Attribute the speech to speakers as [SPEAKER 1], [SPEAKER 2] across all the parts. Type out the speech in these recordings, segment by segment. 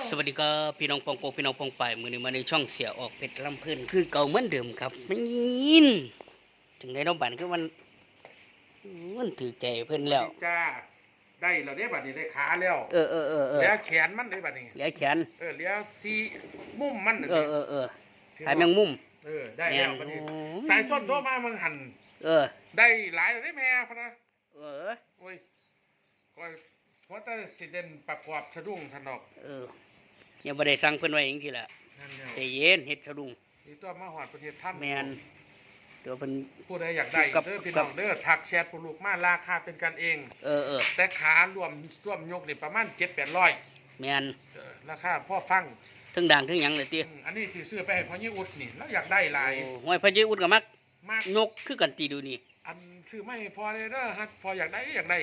[SPEAKER 1] สวัสดีครับพี่น้องปองโปพี่น้องปองป่ายมือนี้มาในช่องเสียออกเป็ดลำเพื่นคือเก่าเหมือนเดิมครับไม่ยินถึงได้น้องบันคือมันถือใจเพื่อนแล้ว
[SPEAKER 2] จ้าได้เราได้บัดนี้ได้ขาแล้ว
[SPEAKER 1] เออ
[SPEAKER 2] เหลือแขนมันได้บัดนี้
[SPEAKER 1] เหลือแขน
[SPEAKER 2] เหลือซีมุมมัน
[SPEAKER 1] ขายแมงมุม
[SPEAKER 2] ได้แล้วบัดนี้สายส้นโทรมามึงหันได้หลายได้แม่พะนะโอ้ยก็เพราะแต่สิเด่นประกอบสะดุ้งสนอก
[SPEAKER 1] ยังไม่ได้สั่งเพื่อนไว้อย่างที่ละแต่เย็นเฮ็ดสะดุ้ง
[SPEAKER 2] นี่ตัวมาหอดประเทศท่าน
[SPEAKER 1] แมนเดี๋ยวเป็น
[SPEAKER 2] ผู้ใดอยากได้เด้อพี่น้องเด้อทักแชทผู้ลูกมาราคาเป็นกันเองแต่ขารวมยกนี่ประมาณ700-800
[SPEAKER 1] แมน
[SPEAKER 2] ราคาพ่อฟัง
[SPEAKER 1] ทั้งด่างทั้งหยังเลยตี
[SPEAKER 2] อันนี้สิซื้อไปให้พ่อยี่อุดนี่แล้วอยากได้หลาย
[SPEAKER 1] ห้อยพ่อยี่อุดกับมักยกคือกันตีดูนี่
[SPEAKER 2] อันซื้อไม่พอเลยเด้อฮะพออยากได้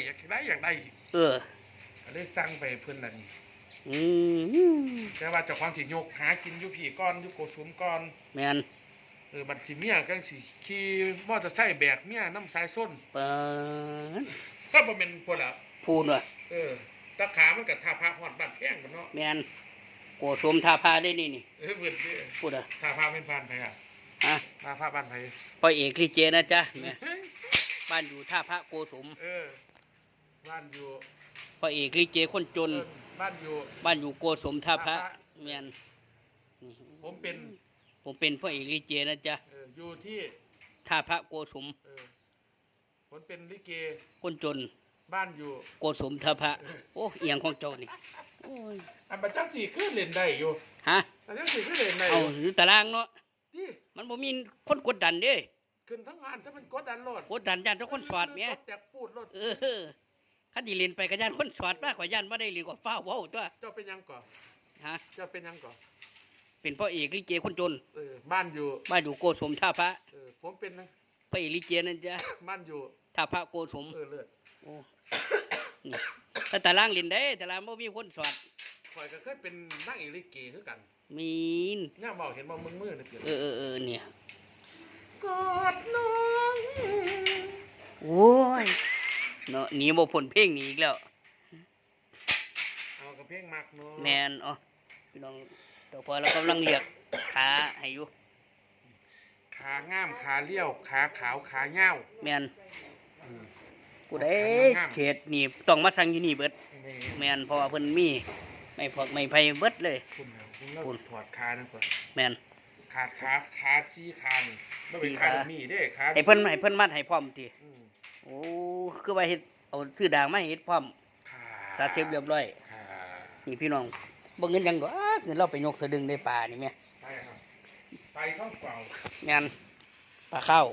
[SPEAKER 2] ได้สั่งไปเพื่อนนั่นนี่แต่ว่าเจ้าของสิยกหากินยุผีก้อนยุโกสุมก้อน
[SPEAKER 1] แมน
[SPEAKER 2] บัดสิเมียก็สิขี่มอเตอร์ไซค์แบกเมียน้ำสายส้นก็บ่เป็นพวกละ
[SPEAKER 1] พูนว่ะ
[SPEAKER 2] ตะขามันกับท่าพระหอดบ้านแพงกันเนาะ
[SPEAKER 1] แมนโกสมท่าพาได้นี่
[SPEAKER 2] เบิด
[SPEAKER 1] พูดอ่ะ
[SPEAKER 2] ท่าพระเป็นบ้านไผอ่ะท่าพระบ้านไผ
[SPEAKER 1] พ่อเอกลิเจนะจ๊ะแม่บ้านอยู่ท่าพระโกสม
[SPEAKER 2] บ้านอยู่
[SPEAKER 1] พ่อเอกลิเจคนจน
[SPEAKER 2] บ้าน
[SPEAKER 1] อยู่โกสมท่าพระแมน
[SPEAKER 2] ผม
[SPEAKER 1] เป็นพ่อเอกลิเจนะจ๊ะ
[SPEAKER 2] อยู่ที่
[SPEAKER 1] ท่าพระโกสม
[SPEAKER 2] ผมเป็นลิเก
[SPEAKER 1] คนจน
[SPEAKER 2] บ้านอยู่
[SPEAKER 1] โกสมท่าพระโอ้เอียงของเจ้านี่
[SPEAKER 2] อันบัดจังสี่ขึ้นเล่นได้อยู่
[SPEAKER 1] ฮะ
[SPEAKER 2] อันจังสี่ขึ้นเล่นได้
[SPEAKER 1] เอาอยู่ตารางเนาะมันบ่มีคนกดดันเด้
[SPEAKER 2] ขึ้นทั้งงานถ้ามันกดดันโลด
[SPEAKER 1] กดดันย่านทุกคนสอดแม่
[SPEAKER 2] แตกปูดโลด
[SPEAKER 1] คันที่เล่นไปก็ย่านคนสอดมากกว่าย่านบ่ได้เล่นกว่าฟ้าเว้าตัว
[SPEAKER 2] เจ้าเป็นยังก่อเจ้าเป็นยังก่อ
[SPEAKER 1] เป็นพ่อเอกลิเกคนจน
[SPEAKER 2] บ้านอยู่
[SPEAKER 1] โกสมท่าพระ
[SPEAKER 2] ผมเป็นนะ
[SPEAKER 1] พ่อเอกลิเกนั่นจ้ะ
[SPEAKER 2] บ้านอยู่
[SPEAKER 1] ท่าพระโกสม
[SPEAKER 2] เลือด
[SPEAKER 1] โอ้นี่แต่ตารางเล่นได้ตารางบ่มีคนสอด
[SPEAKER 2] ข่อยก็เคยเป็นนางเอกลิเกคือกัน
[SPEAKER 1] มีน
[SPEAKER 2] ย่าบอกเห็นบ่มือๆนี่เกิด
[SPEAKER 1] เนี่ย
[SPEAKER 2] กอดน้อง
[SPEAKER 1] โอ้ยเนาะหนีบ่พ้นเพลงนี้อีกแล้ว
[SPEAKER 2] เอากับเพลงมักเนาะ
[SPEAKER 1] แม่นพี่น้องต่อพอเรากำลังเรียกขาให้อยู่
[SPEAKER 2] ขางามขาเลี้ยวขาขาวขาเงา
[SPEAKER 1] แม่นกูได้เขตนี่ต้องมาสั่งอยู่นี่เบิดแม่นเพราะว่าเพิ่นมีไม่พอกไม่ไผเบิดเลย
[SPEAKER 2] คุณถอดขานะก่อน
[SPEAKER 1] แม่น
[SPEAKER 2] ขาชี้ขานี่บ่เป็นขามีเด้ขา
[SPEAKER 1] ให้เพิ่นมัดให้พร้อมติโอ้คือว่าเฮ็ดเอาซื้อด่างมาเฮ็ดพร้อมสาเสพเรียบร้อยนี่พี่น้องบ่เงินยังดอกเงินเราไปยกสะดึงได้ปลานี่แม่
[SPEAKER 2] ไปท้องเปล่า
[SPEAKER 1] แม่นปลาข้าว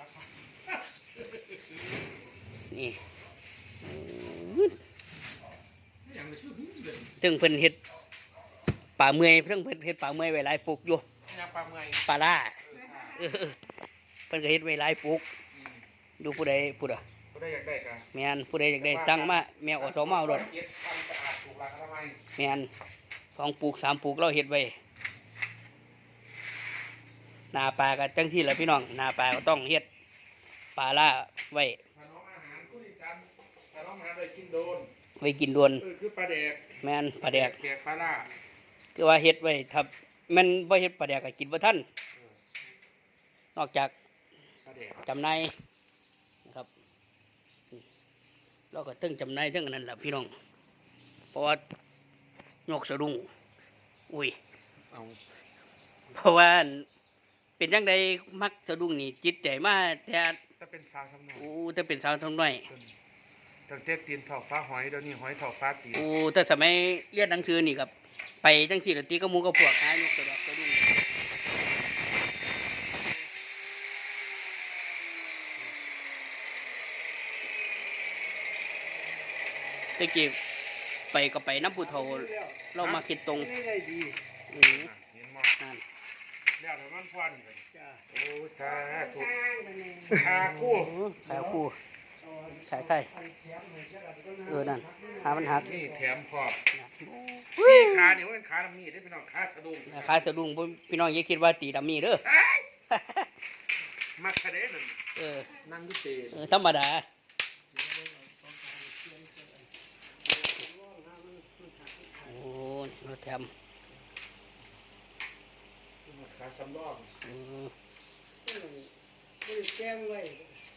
[SPEAKER 1] นี่ซึ่งเพิ่นเฮ็ดป่าเมื่อยเพิ่นเฮ็ดป่าเมื่อยไว้หลายปลูกอยู่ปลาล่าเพิ่นก็เฮ็ดไว้หลายปลูกดูผู้ใด
[SPEAKER 2] อยากได้กัน
[SPEAKER 1] แม่นผู้ใดอยากได้สั่งมาแมวอสมเอารถแม่น2ปลูก3ปลูกเราเฮ็ดไว้นาปลาก็จังที่แหละพี่น้องนาปลาก็ต้องเฮ็ดปลาล่าไว้ไว้กินโดน
[SPEAKER 2] คือปลาแดก
[SPEAKER 1] แม่นปลาแดก
[SPEAKER 2] ปลาล่า
[SPEAKER 1] คือว่าเฮ็ดไว้ถ้ามันบ่เฮ็ดปลาแดกก็กินบ่ทันนอกจากจำหน่ายนะครับเราก็ตึ้งจำหน่ายทั้งนั้นแหละพี่น้องเพราะว่ายกสะดุ้งอุ้ยเพราะว่าเป็นจังไดมักสะดุ้งนี่จิตใจมาแต่
[SPEAKER 2] เป็นสาวสำน้อย
[SPEAKER 1] แต่เป็นสาวสำน้อย
[SPEAKER 2] ตั้งแต่ตีนถอกฟ้าหอยเดี๋ยวนี้หอยถอกฟ้าตี
[SPEAKER 1] แต่สมัยเรียนหนังสือนี่ครับไปจังสี่ตีก็มูก็พวกหายกสะดุ้งตะกี้ไปก็ไปน้ำปูเทาเรามาคิดตรง
[SPEAKER 2] เห็นมั้ยนั่นแล้วแต่มันพวนเลยโอ้สาธุขาคู่
[SPEAKER 1] ใช่นั่นหามันหัก
[SPEAKER 2] นี่แถมขอบสี่ขาเนี่ยว่าเป็นขาดำมีได้พี่น้องขาสะดุ้ง
[SPEAKER 1] พี่น้องอย่าคิดว่าตีดำมีเด้อ
[SPEAKER 2] มักกระเด็นนั่งยุติ
[SPEAKER 1] ธรรมดาโอ้รถแถม
[SPEAKER 2] ขาสำรอง
[SPEAKER 3] ไม่ได้แจ้งไว้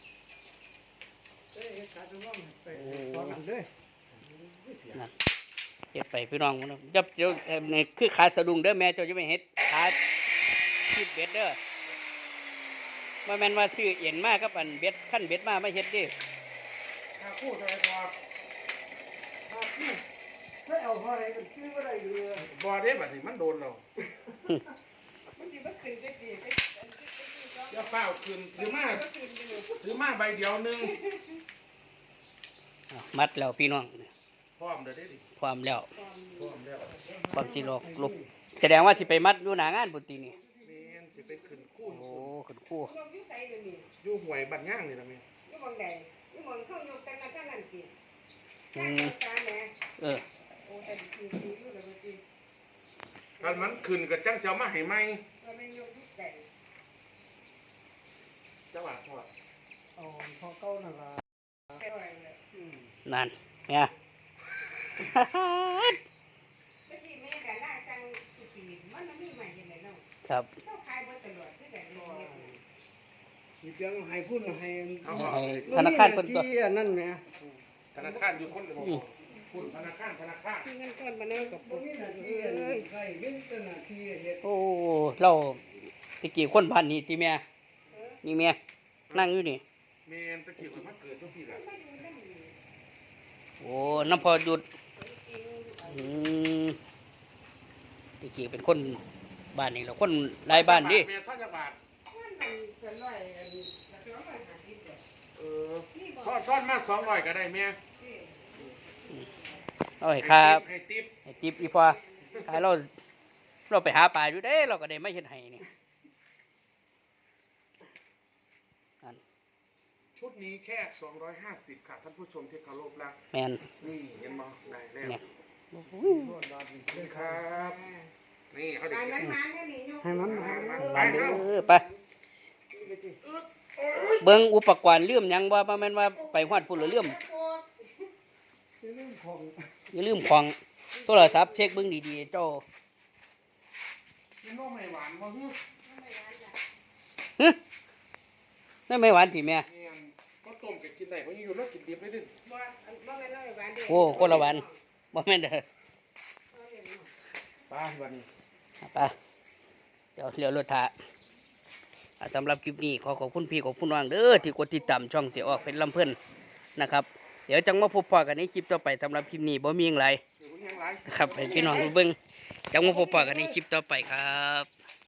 [SPEAKER 3] ได้เฮ็ดขาสำรองไปสอนกันเลย
[SPEAKER 1] นั่นเฮ็ดไปพี่น้องมันจับเจ้านี่คือขาสะดุ้งเด้อแม่เจ้าจะไม่เฮ็ดขาชีดเบ็ดเด้อบ่แม่นว่าซื้อเอ็นมากับอันเบ็ดขั้นเบ็ดมาไม่เฮ็ดเด้
[SPEAKER 2] ถ้าคู่ใส่พอ
[SPEAKER 3] ถ้าเอาพออะไรมันคือว่าได้อยู่เลย
[SPEAKER 2] บ่ได้บัดนี้มันโดนเรา
[SPEAKER 4] มันสิบ่ขึ้นจักทีก็
[SPEAKER 2] อย่าเฝ้าคืนถือมาใบเดียวหนึง
[SPEAKER 1] มัดแล้วพี่น้อง
[SPEAKER 2] พร้อมเด้อเด้ดิ
[SPEAKER 1] พร้อมแล้ว
[SPEAKER 2] พร้อมแล้ว
[SPEAKER 1] ความสิลอกลุกแสดงว่าสิไปมัดอยู่หน้างานพุ่นตินี่
[SPEAKER 2] แม่นสิไปขึ้นคู่
[SPEAKER 1] โอ้ขึ้นคู่
[SPEAKER 4] ลงอยู่ไสเดี๋ยวนี้
[SPEAKER 2] อยู่ห้วยบ้านย่างนี่ล่ะแม่
[SPEAKER 4] อยู่หม่องใดอยู่หม่องเข้ายกแต่ละท่านนั่นติ
[SPEAKER 1] อื
[SPEAKER 4] ข้าง
[SPEAKER 1] ม
[SPEAKER 4] ตาแหน่
[SPEAKER 1] เออ
[SPEAKER 4] โอ้แต่คืออยู่แล้วบ่ติ
[SPEAKER 2] คันมันขึ้นก็จังสิเอามาให้ใหม่
[SPEAKER 4] ก็แม่นยกอยู่ไส
[SPEAKER 2] จังหวะพอ
[SPEAKER 3] เอาพอเก้านั่นล่ะ
[SPEAKER 4] ไปไว้เลย
[SPEAKER 1] นั่นเนี่ย
[SPEAKER 4] เมื่อกี้แม่ก็ล่าสั่งอีปีมันมีใหม่จังได๋เนาะ
[SPEAKER 1] ครับ
[SPEAKER 4] เจ้าขายบ่ตลอดคือกันเนาะ
[SPEAKER 3] มีเพียงให้พูดให้
[SPEAKER 1] ให้ธนาคารเพิ่นตัว
[SPEAKER 3] ที่นั่นแหม
[SPEAKER 2] ธนาคารอยู่คนละบ่คุณธนาคาร
[SPEAKER 4] ที่เงินก้อนมาเนาะกับ
[SPEAKER 3] บ่มีหน้าที่ใครมีแต่หน้าที่เฮ็ด
[SPEAKER 1] โอ้เราตะกี้คนพันนี่ติแม่นี่แม่นั่งอยู่นี่
[SPEAKER 2] แม่นตะกี้มันมาเกิดทุกทีล่ะ
[SPEAKER 4] มาอยู่นำนี่
[SPEAKER 1] โอ้น้ำพอหยุดอืมตะกี้เป็นคนบ้านนี่เราคนหลายบ้านดิ
[SPEAKER 2] แม่ทอดจักบาท
[SPEAKER 4] มันเกินร้อยอันละ250บาท
[SPEAKER 2] เออ
[SPEAKER 4] นี่บ่
[SPEAKER 2] ทอดมา200ก็ได้แม่
[SPEAKER 1] เอาให้ครับ
[SPEAKER 2] ให้ติ๊บ
[SPEAKER 1] ให้ติปอีพอให้เราไปหาปลาอยู่เด้เราก็ได้ไม่เห็นให้นี่อัน
[SPEAKER 2] ชุดนี้แค่250ค่ะท่านผู้ชมที่เคารพรัก
[SPEAKER 1] แมน
[SPEAKER 2] นี่เห็นบ่ได้แล้ว
[SPEAKER 1] เนี่ย
[SPEAKER 3] รวดรัดนี่
[SPEAKER 2] นี่ครับนี่เขาเด็ก
[SPEAKER 4] ให้
[SPEAKER 2] เก็บ
[SPEAKER 4] มันๆนี่ยก
[SPEAKER 3] ให้มันมา
[SPEAKER 1] ไปเด้อไปเบิ่งอุปกรณ์ลืมหยังบ่แม่นว่าไปฮอดพุ่นแล้วลืม
[SPEAKER 3] เรื่องของ
[SPEAKER 1] อย่าลืมของโทรศัพท์เช็คเบิ่งดีๆเจ้า
[SPEAKER 2] กินนมไม่หวานบ่ฮึ
[SPEAKER 1] ฮะนั่นไม่หวานสิแม่
[SPEAKER 2] เนี่ยก็ต้มก็กินได้เพราะอยู่แล้วกินดิบไม่ได้
[SPEAKER 4] บ่บ่แม่นน้อยหวานเด้
[SPEAKER 1] โอ้คนละหวานบ่แม่นเด้อ
[SPEAKER 2] ไปวันนี้
[SPEAKER 1] ไปเดี๋ยวเลี้ยวรถถ่าสำหรับคลิปนี้ขอขอบคุณพี่ขอบคุณน้องเด้อที่กดติดตามช่องเสียออกเป็นลำเพิ่นนะครับ เดี๋ยวจังมาพบพอกันในคลิปต่อไปสำหรับคลิปนี้บ่มีหยังไร
[SPEAKER 2] เดี๋ยวผมยังไลฟ์
[SPEAKER 1] ครับให้พี่น้องเบิ่งจังมาพบพอกันในคลิปต่อไปครับ